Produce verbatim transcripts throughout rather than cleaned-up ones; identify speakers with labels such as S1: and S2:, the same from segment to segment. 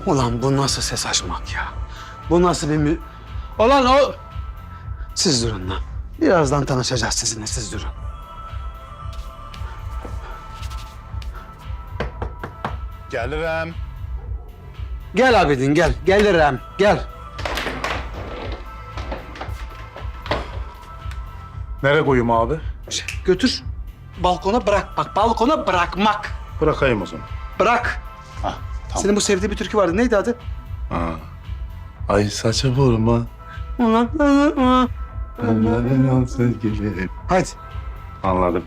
S1: Ulan bu nasıl ses açmak ya? Bu nasıl bir mü... Ulan o... Siz durun lan. Birazdan tanışacağız sizinle, siz durun.
S2: Gelirim.
S1: Gel Abidin, gel. Gelirim, gel.
S2: Nereye koyayım abi?
S1: Şey, götür. Balkona bırak. Bak balkona bırakmak.
S2: Bırakayım o zaman.
S1: Bırak.
S2: Hah, tamam.
S1: Senin bu sevdiği bir türkü vardı. Neydi adı?
S2: Ha. Ay saça vurma.
S1: Ulan.
S2: Benden al sevgili.
S1: Hadi.
S2: Anladım.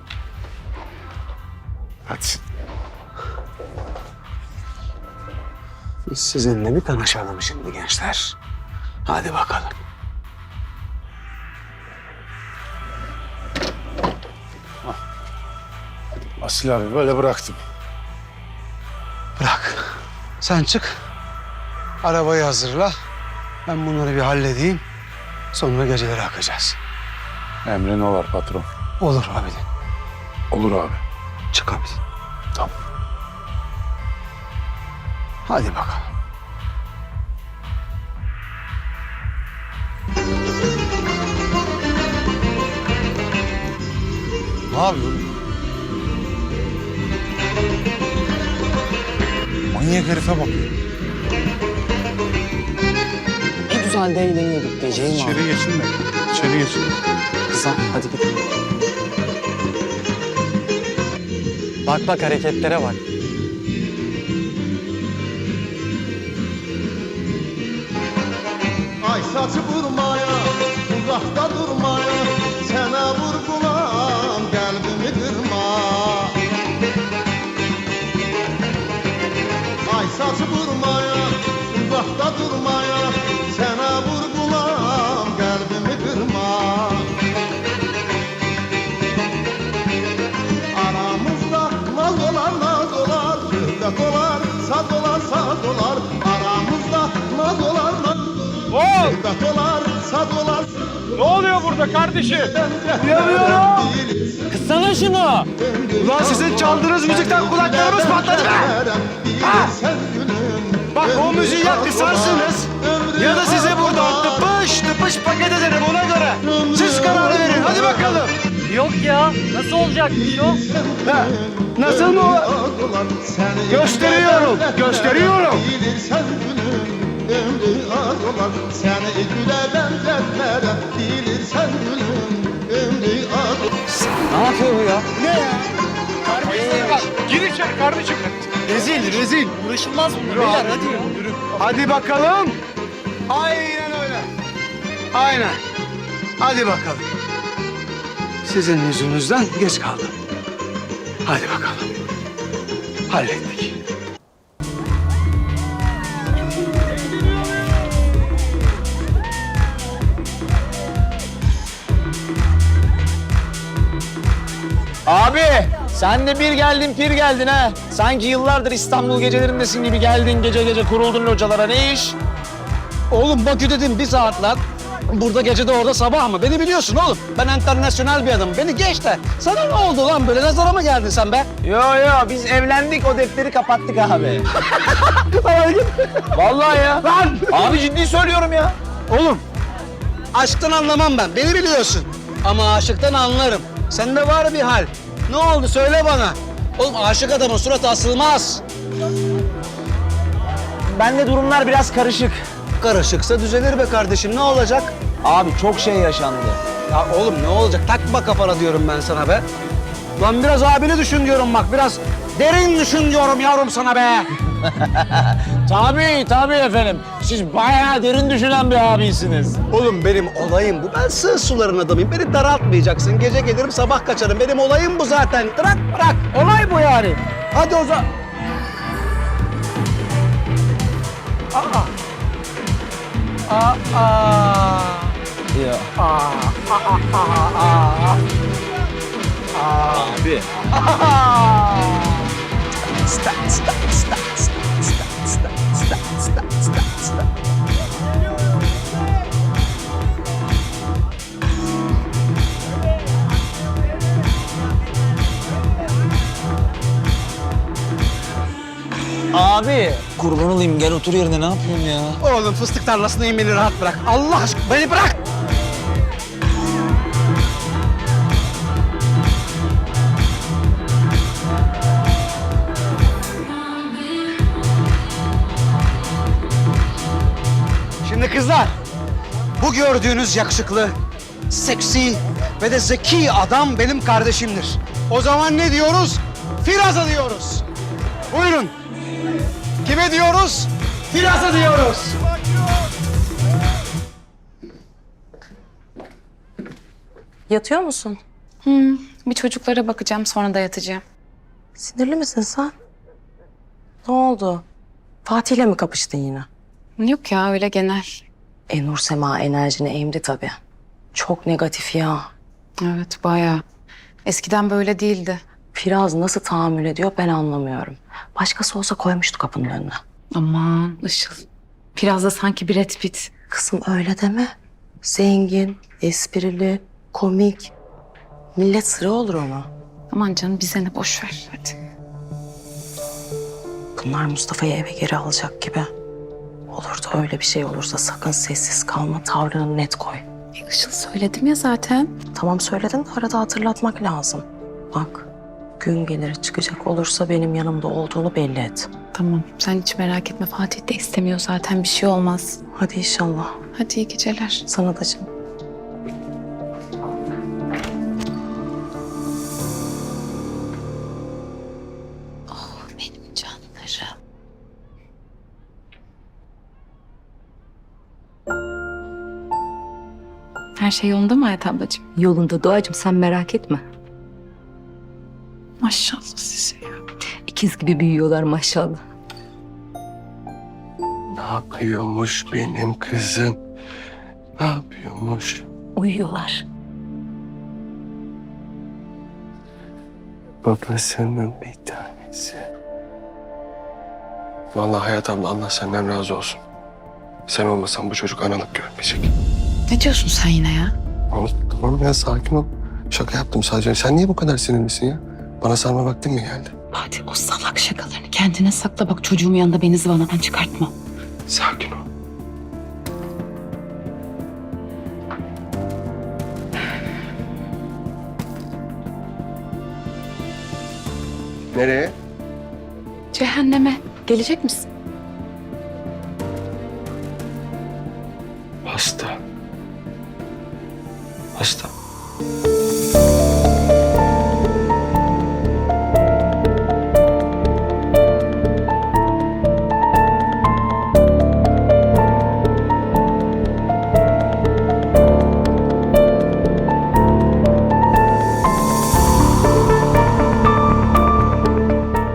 S2: Hadi.
S1: Biz sizinle bir tanışalım şimdi gençler. Hadi bakalım.
S2: Asil abi böyle bıraktım.
S1: Bırak. Sen çık. Arabayı hazırla. Ben bunları bir halledeyim. Sonra geceleri akacağız.
S2: Emrin olar patron.
S1: Olur Abidin.
S2: Olur abi.
S1: Çık Abidin.
S2: Tamam.
S1: Hadi bakalım.
S3: Ne yapıyorsun? Manyak herife bakıyor.
S4: Ne güzel de eğleniyorduk diyeceğim abi.
S2: İçeri geçin de. İçeri geçin.
S4: Kızım hadi gidelim. Bak bak hareketlere bak.
S5: Ay saçı vurmaya, uzakta durmaya, sana vurgulam kalbimi kırma. Ay saçı vurmaya, uzakta durmaya, sana vurgulam kalbimi kırma. Aramızda naz olar naz olar, şöhret olar, saz olar saz olar. Aramızda naz olar naz olar. Şöhret olar, saz olar.
S6: Ne oluyor burada kardeşim?
S5: Yanıyorum.
S4: Kıssana şunu.
S1: Ulan sizin çaldığınız müzikten kulaklarımız patladı be! Ha! Bak o müziği ya kısarsınız ya da size buradan tıpış tıpış paket ederim ona göre. Siz karar verin hadi bakalım.
S4: Yok ya. Nasıl olacakmış o?
S1: Ha, nasıl mı o? Gösteriyorum, gösteriyorum.
S5: Bilirsen gülüm ömrü az olan. Seni güle benzetmeden bilirsen gülüm ömrü az olan.
S4: Ne yapıyor bu ya?
S6: Terbiyesizlere bak. Gir içeri kardeşim.
S1: Rezil, rezil.
S4: Uğraşılmaz bunlar beyler hadi ya.
S1: Hadi bakalım. Aynen öyle. Aynen. Hadi bakalım. Sizin yüzünüzden geç kaldım. Hadi bakalım. Hallettik.
S4: Abi sen de bir geldin pir geldin ha. Sanki yıllardır İstanbul gecelerindesin gibi geldin gece gece kuruldun localara ne iş? Oğlum Bakü dedim bir saat lan. Burada gece de orada sabah mı? Beni biliyorsun oğlum. Ben internasyonel bir adamım. Beni geç de. Sana ne oldu lan böyle? Nazara mı geldin sen be? Yo yo biz evlendik o defteri kapattık abi. Vallahi ya. Lan! Abi ciddi söylüyorum ya.
S1: Oğlum, aşktan anlamam ben. Beni biliyorsun. Ama aşıktan anlarım. Sende var bir hal. Ne oldu söyle bana. Oğlum aşık adamın suratı asılmaz.
S4: Bende durumlar biraz karışık.
S1: Karışıksa düzelir be kardeşim. Ne olacak?
S4: Abi çok şey yaşandı.
S1: Ya oğlum ne olacak? Takma kafana diyorum ben sana be. Lan biraz abini düşün diyorum bak. Biraz derin düşün diyorum yavrum sana be.
S4: Tabii tabii efendim. Siz bayağı derin düşünen bir abisiniz.
S1: Oğlum benim olayım bu. Ben sığ suların adamıyım. Beni daraltmayacaksın. Gece gelirim sabah kaçarım. Benim olayım bu zaten. Bırak bırak.
S4: Olay bu yani.
S1: Hadi o zaman. Aa. Aa.
S4: Ya.
S1: Aa. Aa. Aa. Aa.
S4: Abi.
S1: Sta, sta, sta, sta, sta, sta, sta, sta, sta, sta.
S4: Abi Kurban olayım gel otur yerine ne yapıyorsun ya?
S1: Oğlum fıstık tarlasındayım, beni rahat bırak. Allah aşkına beni bırak. Şimdi kızlar, bu gördüğünüz yakışıklı, seksi ve de zeki adam benim kardeşimdir. O zaman ne diyoruz? Firaz'a diyoruz. Buyurun. Kime diyoruz? Firaz'a diyoruz.
S7: Yatıyor musun?
S8: Bir çocuklara bakacağım, sonra da yatacağım.
S7: Sinirli misin sen? Ne oldu? Fatih'le mi kapıştın yine?
S8: Yok ya, öyle genel.
S7: E Nur Sema enerjini emdi tabii. Çok negatif ya.
S8: Evet, bayağı. Eskiden böyle değildi.
S7: Firaz nasıl tahammül ediyor ben anlamıyorum. Başkası olsa koymuştu kapının önüne.
S8: Aman Işıl. Biraz da sanki Brad Pitt.
S7: Kızım öyle deme. Zengin, esprili, komik. Millet sıra olur ona.
S8: Aman canım, bize ne, boş ver hadi.
S7: Bunlar Mustafa'yı eve geri alacak gibi. Olur da öyle bir şey olursa sakın sessiz kalma, tavrını net koy.
S8: E, Işıl söyledim ya zaten.
S7: Tamam söyledin de arada hatırlatmak lazım. Bak, gün gelir çıkacak olursa benim yanımda olduğunu belli et.
S8: Tamam, sen hiç merak etme. Fatih de istemiyor zaten, bir şey olmaz.
S7: Hadi inşallah.
S8: Hadi iyi geceler.
S7: Sana da canım.
S8: Benim canlarım. Her şey yolunda mı Hayat ablacığım?
S9: Yolunda Doğacığım, sen merak etme.
S8: Maşallah size ya.
S9: İkiz gibi büyüyorlar maşallah.
S10: Ne yapıyormuş benim kızım? Ne yapıyormuş?
S9: Uyuyorlar.
S10: Babasının bir tanesi. Vallahi Hayat abla, Allah senden razı olsun. Sen olmasan bu çocuk analık görmeyecek.
S8: Ne diyorsun sen yine ya?
S10: Tamam, tamam ya, sakin ol. Şaka yaptım sadece. Sen niye bu kadar sinirlisin ya? Bana sarma vaktin mi geldi?
S8: Fatih, o salak şakalarını kendine sakla, bak çocuğumun yanında beni zıvanadan çıkartma.
S10: Sakin ol. Nereye?
S8: Cehenneme. Gelecek misin?
S10: Hasta. Hasta.